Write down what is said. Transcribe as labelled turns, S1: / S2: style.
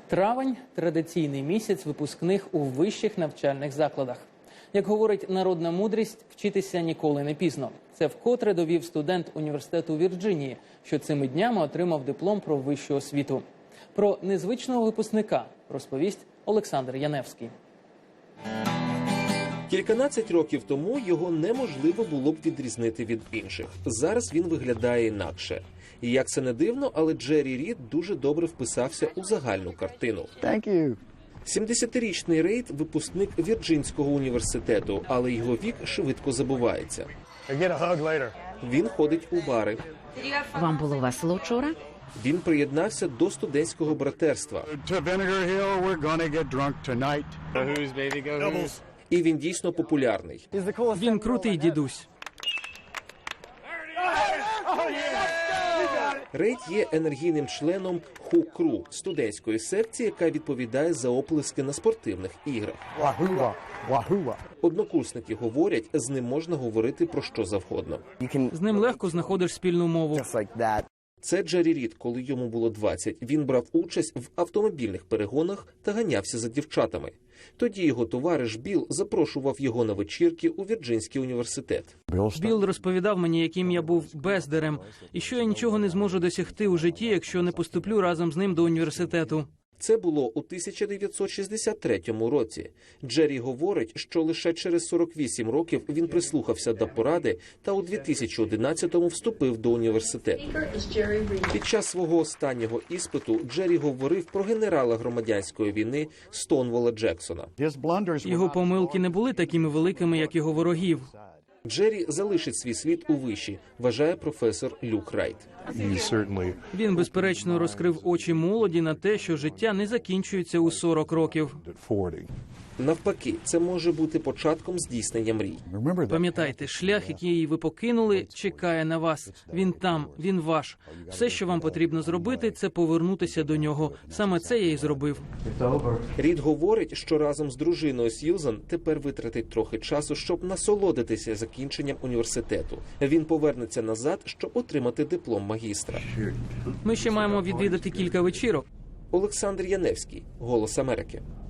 S1: Травень – традиційний місяць випускних у вищих навчальних закладах. Як говорить народна мудрість, вчитися ніколи не пізно. Це вкотре довів студент університету Вірджинії, що цими днями отримав диплом про вищу освіту. Про незвичного випускника розповість Олександр Яневський.
S2: Кільканадцять років тому його неможливо було б відрізнити від інших. Зараз він виглядає інакше. І як це не дивно, але Джері Рід дуже добре вписався у загальну картину. 70-річний Рейд – випускник Вірджинського університету, але його вік швидко забувається. Він ходить у бари.
S3: Вам було весело вчора?
S2: Він приєднався до студентського братерства. І він дійсно популярний.
S1: Він крутий дідусь.
S2: Рейд є енергійним членом Ху-Кру – студентської секції, яка відповідає за оплески на спортивних іграх. Однокурсники говорять, з ним можна говорити про що завгодно.
S1: З ним легко знаходиш спільну мову.
S2: Це Джері Рід, коли йому було 20. Він брав участь в автомобільних перегонах та ганявся за дівчатами. Тоді його товариш Білл запрошував його на вечірки у Вірджинський університет.
S1: Білл розповідав мені, яким я був бездарем, і що я нічого не зможу досягти у житті, якщо не поступлю разом з ним до університету.
S2: Це було у 1963 році. Джері говорить, що лише через 48 років він прислухався до поради та у 2011-му вступив до університету. Під час свого останнього іспиту Джері говорив про генерала громадянської війни Стоунволла Джексона.
S1: Його помилки не були такими великими, як його ворогів.
S2: Джері залишить свій слід у виші, вважає професор Люк Райт.
S1: Він, безперечно, розкрив очі молоді на те, що життя не закінчується у 40 років.
S2: Навпаки, це може бути початком здійснення мрій.
S1: Пам'ятайте, шлях, який ви покинули, чекає на вас. Він там, він ваш. Все, що вам потрібно зробити, це повернутися до нього. Саме це я і зробив.
S2: Рід говорить, що разом з дружиною Сьюзан тепер витратить трохи часу, щоб насолодитися закінченням університету. Він повернеться назад, щоб отримати диплом магістра.
S1: Ми ще маємо відвідати кілька вечірок.
S2: Олександр Яневський, «Голос Америки».